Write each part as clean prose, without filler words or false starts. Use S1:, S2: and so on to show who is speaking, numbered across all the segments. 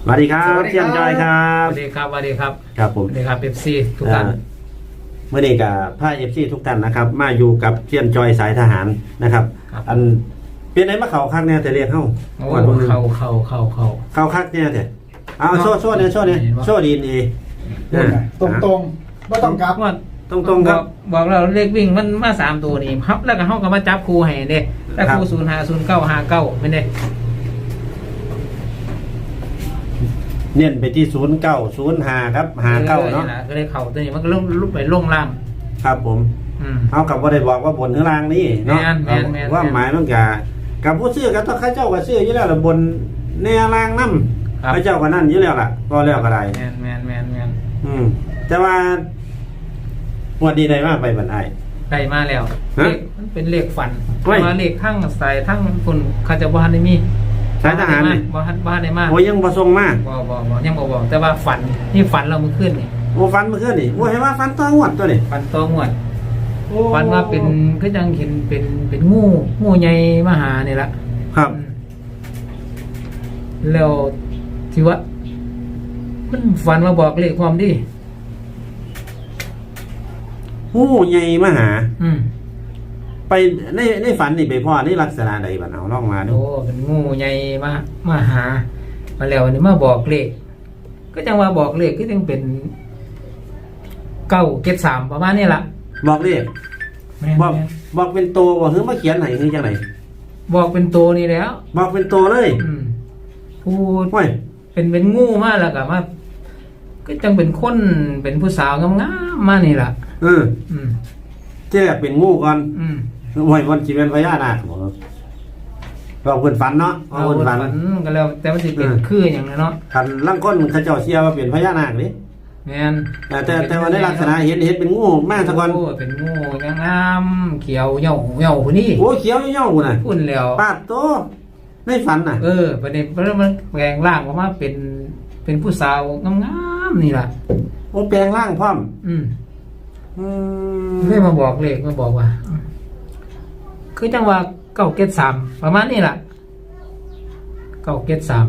S1: สวัสดีครับเชียนจอยครับ
S2: สวัสดีครับสวัสดีครับ
S1: ครับผม
S2: สวัสดีครับFC ทุกท่าน
S1: เมื่อนี้กับผ้าFCทุกท่านนะครับมาอยู่กับเชียนจอยสายทหารนะครับอันเป็นไหนมาเข่าคักเนี่ยแต่เรียกเข้า
S2: วันพวกนึงเข่า
S1: คักเนี่ยแต่เอาโซ่เนี่ยโซ่ดีนี่
S3: ตรงไม่ต้องกลับ
S1: ตรงครับ
S2: บอกเราเลขวิ่งมันมา3ตัวนี่ครับแล้วก็เฮาก็มาจับคู่ให้เด้แต่คู่050959ไม่ได้
S1: เน้นไปที่0905ครับ59เนาะ
S2: ก็เลยเข่าตัวนี้มันก็ลุกไปลงล่าง
S1: ครับผมเอากับว่าได้บอกว่าบนหรือล่างนี่เนาะว่าหมายมันกับผู้ซื้อกับต้องข้าเจ้าก็ซื้ออยู่แล้วละบนแนวล่างน้ำข้าเจ้าก็นั่นอยู่แล้วล่ะก็แล้วก็ได้
S2: แมน
S1: แต่ว่าวันดีได้มากไปบรรทัย
S2: ได้มาแล้วเลขมันเป็นเลขฝันแต่ว่าเลขทั้งสายทั้งคนข้าเจ้าบ้านได้มี
S1: สายทหารนี่
S2: บ้านได้มาก
S1: โอ้ยังบ่ทรงมาก
S2: ยังบอกแต่ว่าฝันนี่ฝันเราเมื่อคืนนี่
S1: โอ้ฝันเมื่อคืนนี่โอ้เห็นว่าฝันตัวงวดตัวนี่
S2: ฝันตัวงวดฝันว่าเป็นก็ยังเห็นเป็นงูใหญ่มาหานี่ละ
S1: ครับ
S2: แล้วที่ว่ามันฝันมาบอกเลขความดี
S1: งูใหญ่มาหาไปในฝันนี่ไปพ่อนี่ลักษณะใดบ้างเอาลองมาดู
S2: โอ้เป็นงูใหญ่มาหามาแล้วนี่มาบอกเลขก็จังว่าบอกเลขก็ยังเป็น973ประมาณนี้ล่ะ
S1: บอกเลขบอกเป็นโตบอกเฮ้ยมาเขียนไหนคือจังไหน
S2: บอกเป็นโตนี่แล้ว
S1: บอกเป็นโตเลย
S2: พูดเป็นงูมากแล้วก็มาก็จังเป็นคนเป็นผู้สาวงามๆมานี่ล่ะ
S1: ที่แรกเป็นงูก่อนวันจีเป็นพญานาคบอกคนฝันเนาะ
S2: คนฝันก็แล้วแต่มันจะเป็นคืออย่างนั้นเนาะ
S1: ขันล่างก้นเขาเจ้าเชียว่าเป็นพญานาคนี่
S2: แม่น
S1: แต่ว่าในลักษณะเห็นเป็นงูมากสักวัน
S2: เป็นงูงามเขียวเหี่ยวคนนี้
S1: โอ้เขียวเหี่ยวคนน่ะ
S2: อุ่นแล้ว
S1: ปาดโตในฝันน่ะ
S2: ประเด็นมันแปลงร่างออกมาเป็นผู้สาวงามๆนี่ล่ะ
S1: โอ้แปลงร่างพร้อม
S2: ไม่มาบอกเลขมาบอกว่าคือจังว่า973ประมาณนี้ล่ะ973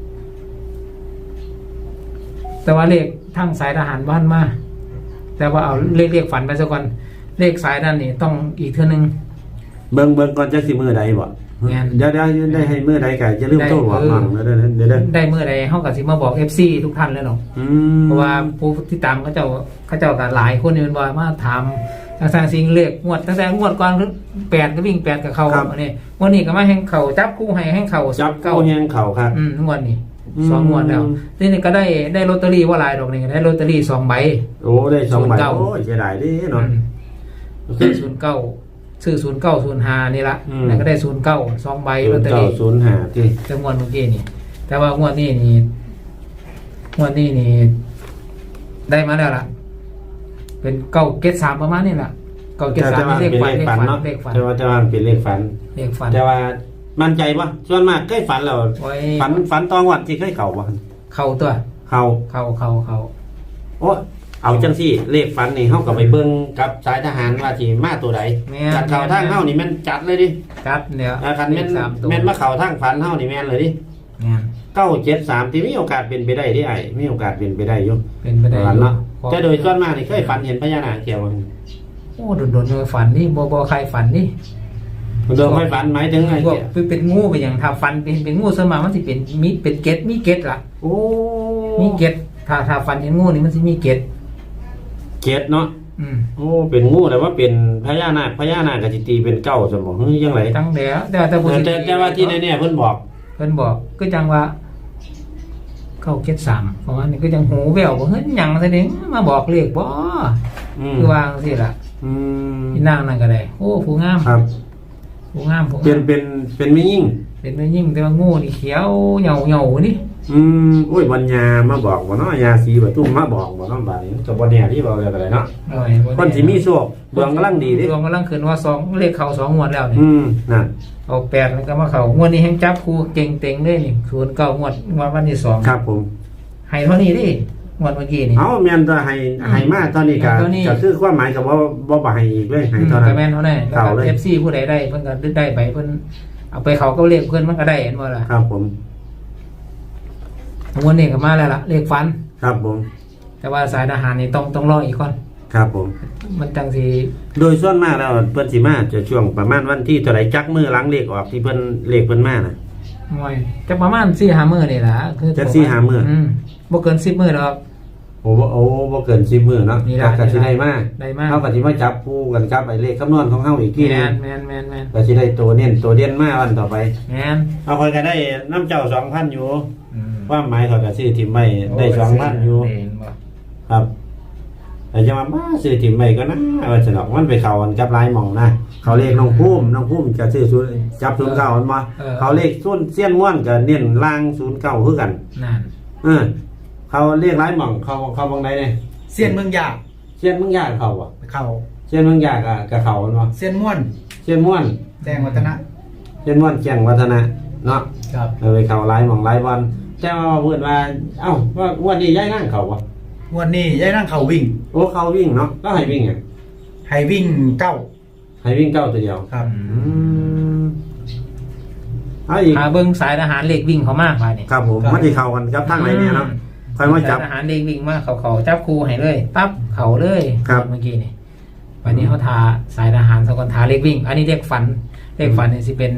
S2: แต่ว่าเลขทั้งสายทหารบ้านมาแต่ว่าเอาเลขฝันไปซะก่อนเลขสายด้านนี้ต้องอีกเท่านึง
S1: เบิ่งก่อนจะสิมือใดบ่เดี๋ยวได้ให้มือใดก็จะลืมโทรบอกมั่งเด้อ
S2: ได้มือใดเฮาก็สิมาบอก FC ทุกท่านแล้วเนาะเพราะว่าผู้ที่ตามเขาเจ้าก็หลายคนนี่มันบ่มาถามทางสิ่งเลขงวดตั้งแต่งวดก่อน8ก็วิ่ง8กับเขาอันนี้วันนี้ก็มาแห่งเขาจับคู่ให้แห่งเขา
S1: จับคู่แห่งเขาครับ
S2: งวดนี้2งวดแล้วทีนี้ก็ได้ลอตเตอรี่ว่าหลายดอกนี่ได้ลอตเตอรี่2ใบ
S1: โอ้ได้2ใบโอ้ยเสียดายดิเนาะ
S2: คือ09ซื้อ0905นี่ละแล้วก็ได้09 2ใบลอตเตอรี่
S1: 0905ที่
S2: จังหวัดเมื่อกี้นี่แต่ว่างวดนี้นี่ได้มาแล้วล่ะเป็น973ประมาณนี้ล่ะ973เลขฝัน
S1: แต่ว่าจะว่าเป็นเลขฝันแต่ว่ามั่นใจป่ะส่วนมากเคยฝันแล้วฝันตอนวันที่เคยเข่าป่ะ
S2: เข่าตัว
S1: เข่าโอ้เอาจังสิเลขฝันนี่เฮาก็ไปเบิ่งกับสายทหารว่าสิมาตัวใดจัดเข่าทางเฮานี่แม่นจัดเลยดิ
S2: จัดเนี่ย
S1: คันแม่นมาเข่าทางฝันเฮานี่แม่นเลยดิ973ที่มีโอกาสเป็นไปได้ที่ไอ้มีโอกาสเป็นไปได้อยู่
S2: เป็นไปได้
S1: เนาะแต่โดยส่วนมากนี่เคยฝันเห็นพญานาคเกี่ยวกัน
S2: โอ้โดนๆฝันนี่บ่ใครฝันนี่
S1: โดนไม่ฝันหมายถึงไง
S2: เป็นงูเป็นอย่างถ้าฝันเป็นงูสมามันสิเป็นเกตล่ะ
S1: โอ้
S2: มีเกตถ้าฝันเห็นงูนี่มันสิมีเกต
S1: เนาะโอ้เป็นงูแต่ว่าเป็นพญานาคก็สิตีเป็น9ซั่นบ่ฮึจังได๋
S2: ตั้งแล้วแต่
S1: ว่าที่แน่ๆเพิ่นบอก
S2: ก็จังว่า973ประมาณนี้ก็จังหูแว่วบ่เฮ็ดหยังซะเด้มาบอกเลขบ่คือว่าจังซี่ล่ะที่นางนั่นก็ได้โอ้ผู้งาม
S1: ครับ
S2: ผู้งาม
S1: เป็นไม่ยิ่ง
S2: แต่ว่างูนี่เขียวเหย่านี่
S1: โอ้ยวันยามาบอกบ่เนาะยาสีบ่ตุ้มมาบอกบ่เนาะบาดนี้ก็บ่แน่ที่บอกแล้วก็ได้เนาะคนสิมีโชคดวงกำลังดีดิ
S2: ดวงกำลังขึ้นว่า2เลขเข้า2งวดแล้วนี่
S1: นั่น
S2: เอา8แล้วก็มาเข้างวดนี้แฮงจับคู่เก่งเต็งเลยนี่09งวดวันที่2
S1: ครับผม
S2: ให้เท่านี้ดิงวดเมื่อกี้นี่
S1: แม่นตัวให้มาตอนนี้ก็คือความหมายก็บ่ให้อีกเลยให้เท่านั้น
S2: ก็แม่นเท่านั้นแล้วก็ FC ผู้ใดได้เพิ่นก็ได้ไปเพิ่นเอาไปเขาก็เลขเพิ่นมันก็ได้เห็นบ่ล่ะ
S1: ครับผม
S2: วันนี้ก็มาแล้วล่ะเลขฝัน
S1: ครับผม
S2: แต่ว่าสายทหารนี่ต้องรออีกก่อน
S1: ครับผม
S2: มันจังสิ
S1: โดยส่วนมากแล้วเพิ่นสิมาจะช่วงประมาณวันที่เท่าไหร่จักมือหลังเลขออกที่เพิ่นเลขเพิ่นมาน่ะ
S2: มวยจะประมาณ4-5 มื้อนี่ล่ะคือ
S1: จัก4-5มื้อ
S2: บ่เกิน10 มื้อหรอก
S1: โอ้บ่เกิน10มื้อเนาะ
S2: นี่ล่ะ
S1: ก็สิได้มา
S2: ได้มา
S1: เฮาก็สิมาจับคู่กันกับไอ้เลขคำนวณของเฮาอีกทีนึ
S2: แม่
S1: ง
S2: น
S1: ก็สิได้ตัวเน้นตัวเด่นมาวันต่อไป
S2: แม่น
S1: เอาค่อยก็ได้น้ำเจ้า 2,000 อยู่
S2: อืม
S1: ความหมายเขาก็ซื้อถิ่มไว้ได้ 2,000 อยู่
S2: เห็นบ่
S1: ครับแต่จะมาซื้อถิ่มไว้ก็นะว่าสนอกมันไปเข้ากันกับหลายหม่องนะเขาเลขน้องภูมิจะซื้อศูนย์จับ09มันบ่เขาเลขส่วนเสี้ยนม่วนก็เน้นล่าง09คือกัน
S2: นั่น
S1: เขาเรียกหลายหม่องเขาบางใดเนี่ย
S3: เซียนเมืองยา
S1: เสี้ยนเมืองยากเขาบ่
S3: เขา
S1: เสี้ยนเมืองยากกับเขามันบ่
S3: เซียนม่วน
S1: เสี้ยนม่วน
S3: แจ้งวัฒนะ
S1: เสี้ยนม่วนแจ้งวัฒนะเนาะ
S3: ครับ
S1: ไปเข้าหลายหม่องหลายวันแต่ว่าเพิ่นว่าเอ้าว่าวันนี้ย้ายนั่งเขาบ่
S3: วันนี้ยายนั่งเขาวิ่ง
S1: โอ้เขาวิ่งเนาะก็ให้วิ่งอ่ะ
S3: ให้วิ่งเก้า
S1: ให้วิ่งเก้าตัวเดียว
S3: ครับ
S1: เอาอีก
S2: หาเบิ่งสายทหารเลขวิ่งเขามากไปนี่
S1: ครับผมมันสิเข้ากันกับทางไหนเนี่ยเนาะค่อยมาจับ
S2: สายทหารเลขวิ่งมาเขาจับครูให้เลยปั๊บเขาเลย
S1: ครับ
S2: เมื่อกี้นี่วันนี้เขาทาสายทหารสกลทาเลขวิ่ง อันนี้เลขฝันนี่สิเป็น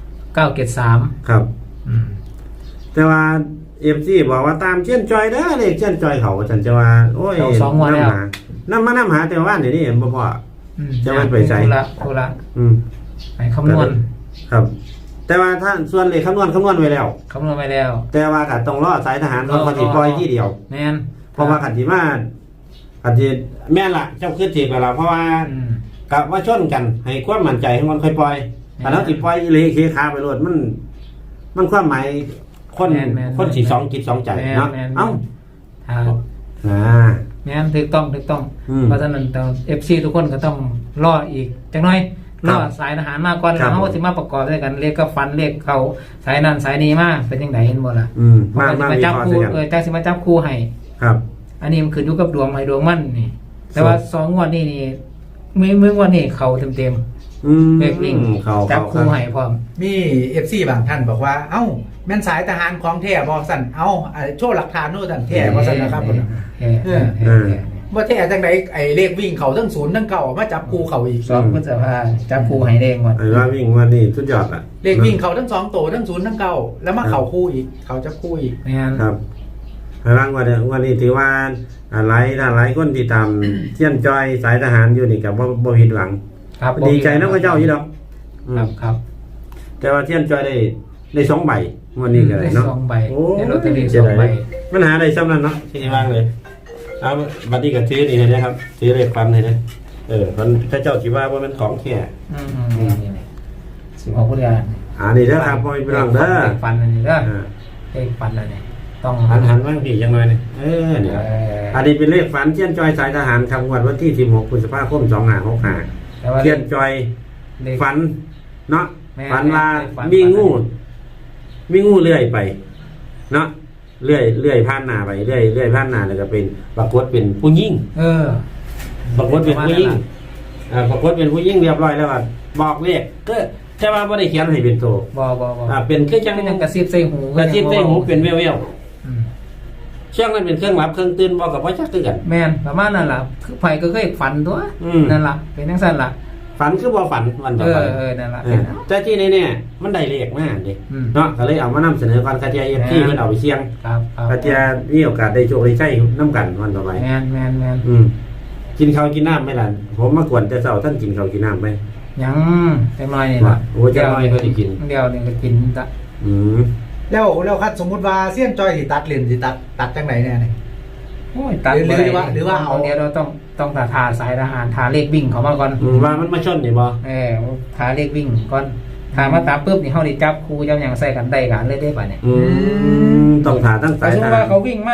S2: 973
S1: ครับ แต่ว่าFC บอกว่าตามเช่นจอยเด้อเลขเช่นจอยเขาฉันจะว่าโอ้ย
S2: เอา2งวดแล้ว
S1: น้ำหาแต่ว่าเดี๋ยวนี้เห็นบ่พอ จะมันไปใส่
S2: โทรละ
S1: อืม
S2: ไปคำนวณ
S1: ครับ แต่ว่าถ้าส่วนเลขคำนวณไว้แล้ว
S2: คำนวณไปแล้ว
S1: แต่ว่าก็ต้องรอสายทหารเขาปฏิปล่อยที่เดียว
S2: แม่น
S1: เพราะว่าขันที่มาขันที่แม่นละเจ้าคือจีบไปแล้วเพราะว่า
S2: อืม
S1: กับว่าชนกัน ให้ความมั่นใจให้มันค่อยปล่อย
S2: แม่น
S1: อันนั้นสิปล่อยอีเลเคขาไปโลดมันความหมายคน
S2: แม่นแม่น
S1: คนสิสองจิตสองใจเนาะ
S2: แม่น
S1: เอ้า
S2: อ่า
S1: อ่า
S2: แม่นถูกต้อง
S1: อืม
S2: เพราะฉะนั้นFC ทุกคนก็ต้องรออีกจังน้อยรอสายทหารมาก่อน
S1: ครั
S2: แล้
S1: บ
S2: วเขาก็สิมาประกอบด้วยกันเลขก็ฟันเลขเขาสายนั้นสายนี้มาเป็นจังไดเห็นบ่ล่ะ
S1: มา
S2: สิ
S1: มา
S2: มา
S1: วิ
S2: จับ
S1: เคราะห์
S2: คู่
S1: ด้วยกัน
S2: จังสิมาจับคู่ให้
S1: ครับ
S2: อันนี้มันขึ้นอยู่กับดวงให้ดวงมันนี่ แต่ว่า2งวดนี้นี่มื้องวดนี้เข้าเต็ม
S1: อืม
S2: ๆเลขวิ่ง
S1: เขา
S2: จับ
S1: เขา
S2: คู่ให้พร้อม
S3: มีเอฟซีบางท่านบอกว่าเอ้าแม่นสายทหารของแท้บอกสั่นเอ้าโชว์หลักฐานโน่นสั่นแท้บอกสั่นนะครับผม ว่าแท้จังไดไอ้เลขวิ่งเขาทั้งศูนย์ทั้งเก่ามาจับคู่เขาอีก
S2: 2พฤษภาจับคู่ให้เด้งหมด
S1: ไอ้ว่าวิ่งวันนี้สุดยอดอ่ะ
S3: เลขวิ่งเขาทั้งสองตัวทั้งศูนย์ทั้งเก่าแล้วมาเขาคู่อีกเขาจับคู่อีก
S2: แม่น
S1: ครับร่างวันนี้ถือว่าหลายคนที่ตามเที่ยนจอยสายทหารอยู่นี่กับบ่ผิดหวัง
S2: ครับ
S1: ดีใจนะพระเจ้าอยู่ดอก
S2: ครับ
S1: แต่ว่าเที่ยนจอยได้2ใบวันนี้ก็ได้เนาะ
S2: ได้2ใบ
S1: โอ้
S2: ได้ลอตเตอรี่
S1: เสียดาย
S2: 2ใบ
S1: มันหาได้ซ้ำนั้นเนาะที่ว่างเลยเอาบัดนี้ก็ถือนี่ให้นะครับถือเลขฟันให้นะมันพระเจ้าสิว่ามันของแท้
S2: นี่16พฤษภา
S1: นี่เด้อครับพ่อพี่น้องเด้อ
S2: เลขฟันอันนี้เด้อ
S1: อ่า
S2: เลขฟันอันนี้ต้อง
S1: หันบ้างพี่จังหน่อยนี่เนี่ยอันนี้เป็นเลขฝันเที่ยนจอยสายทหารครับงวดวันที่16พฤษภาคม2565
S2: แต่ว่า
S1: เทียนจอย
S2: เลข
S1: ฝันเนาะ
S2: แม่
S1: ฝันว่า
S2: ฝัน
S1: มีงูเลื่อยไปเนาะเลื่อยผ่านหน้าไปเลื่อยผ่านหน้าแล้วก็เป็นปรากฏเป็นผู้หญิง ปรากฏเป็นผู้หญิงปรากฏเป็นผู้หญิงเรียบร้อยแล้วว่าบอกเลขก็แต่ว่าบ่ได้เขียนให้เป็นตัว
S2: บ่
S1: เป็นคือจัง
S2: เป็นกระซิบใส่หู
S1: กระซิบใส่หูเป็นแว่ว
S2: อืม
S1: ๆช่วงนั้นเป็นเครื่องหลับเครื่องตื่นบ่กับว่าจักคือกัน
S2: แม่นประมาณนั้นล่ะคือไผก็เคยฝันตัว
S1: อืม
S2: นั่นล่ะเป็นจังซั่นล่ะ
S1: ฝันคือบ่ฝันวันต่อไป
S2: นั่นล่ะ
S1: แต่ที่แน่ๆมันได้เลขมาดิ
S2: อืม
S1: เนาะก็เลยเอามานำเสนอก่อนคาเทียเอฟซี
S2: แม่น
S1: เพิ่นเอาไปเสี่ยง
S2: ครับ
S1: คาเทียมีโอกาสได้โชคได้ใช้น้ำกันวันต่อไป
S2: แม่น
S1: กินข้าวกินน้ำไหมล่ะผมมากวนแต่เช้าท่านกินข้าวกินน้ำไหม
S2: ยังจังน้อยนี่ล่ะ
S1: โอ้จังน้อยก็สิกิน
S2: เดียวนี่ก็กินละ
S1: อืม
S3: แล้วคัดสมมุติว่าเซียนจอยสิตัดเลนสิตัดจังไหนเนี่ยนี่
S2: โอ้ยตัด
S3: หรือว่าเอา
S2: เดี๋ยวเราต้องทาสายทหารทาเลขวิ่งเขามาก่อน
S1: ว่ามันมาชนนี่บ่
S2: ทาเลขวิ่งก่อนทามาตามปุ๊บนี่เฮาได้จับคู่จับหยังใส่กันได้กันเลยได้ป่ะเนี่ย
S1: ต้องถาตั้ง
S2: แต่
S1: สาย
S2: สมม
S1: ท
S2: ติ
S1: หา
S2: ว่าร เขาวิ่งมา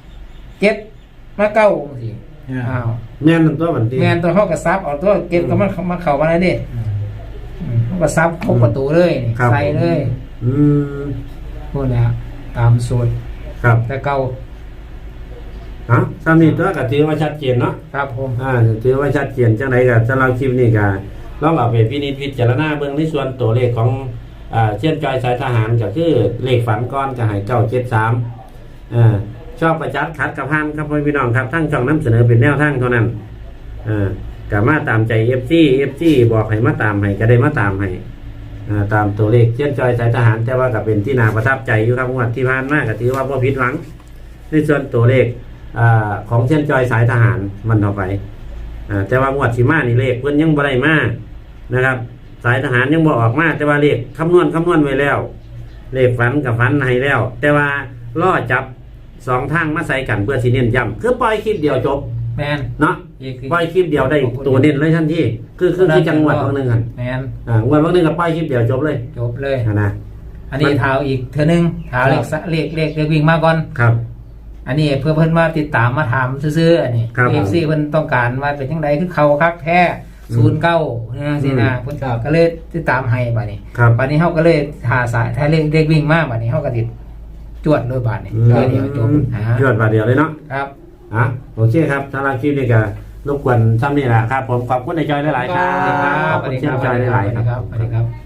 S2: 7มา9จังซี่อ้าว
S1: แม่นตัวบันที
S2: แม่นตัวเฮาก็ซับเอาตัวเก็บก็มันเข้ามาได้เด้เฮาก็ซับครบประตูเลยนี่ใส่เลย
S1: อืม
S2: พูดแล้วตามสูตร
S1: ครับ
S2: แต่เก่า
S1: สามีตัวก็ถือว่าชัดเจนเนาะ
S2: ครับผม
S1: ถือว่าชัดเจนจังไดก็สำหรับคลิปนี้ก็ลองเอาไปพินิจพิจารณาเบิ่งในส่วนตัวเลขของเช่นจอยสายทหารก็คือเลขฝันก้อนก็ให้973 ชอบประจัดขัดกับพานครับพี่น้องครับทั้งช่องนำเสนอเป็นแนวทางเท่านั้นก็มาตามใจ FC บอกให้มาตามให้ก็ได้มาตามให้ตามตัวเลขเช่นจอยสายทหารแต่ว่าก็เป็นที่น่าประทับใจอยู่ครับงวดที่ผ่านมาก็ถือว่าบ่ผิดหวังในส่วนตัวเลขของเช่นจอยสายทหารมันต่อไปแต่ว่างวดสิมานี่เลขเพิ่นยังบ่ได้มานะครับสายทหารยังบ่ออกมาแต่ว่าเลขคำนวณไว้แล้วเลขฝันกับฝันให้แล้วแต่ว่าล่อจับ2ทางมาใส่กันเพื่อสิเน้นย้ำคือปล่อยคลิปเดียวจบ
S2: แม่น
S1: เนาะปล่อยคลิปเดียวได้ตัวเน้นเลยทันทีคือจังหวัดบางนึงกัน
S2: แม่น
S1: งวดบางนึงก็ปล่อยคลิปเดียวจบเลยนะ
S2: อันนี้เท้าอีกเทื่อนึงเท้าเลขวิ่งมาก่อน
S1: ครับ
S2: อันนี้เพื่อเพิ่นมาติดตามมาถามซื่อๆอันนี้ FC เพิ่นต้องการว่าเป็นจังไดคือเขาคักแท้09จังซี่นะเพิ่นก็เลยติดตามให้บัดนี้บัดนี้เฮาก็เลยหาสายถ้าเลขวิ่งมาบัดนี้เฮาก็ติดจวดโดยบัดนี้เดียวจบ
S1: จวดบัดเดียวเลยเนาะ
S2: ครับ
S1: โอเคครับสำหรับคลิปนี้ก็รบกวนซ้ำนี่แหละครับผมขอบคุณในจอยหลายๆครับ
S2: สวัสดีครับ
S1: จอยหลายๆครับ
S2: สวัสดีครับ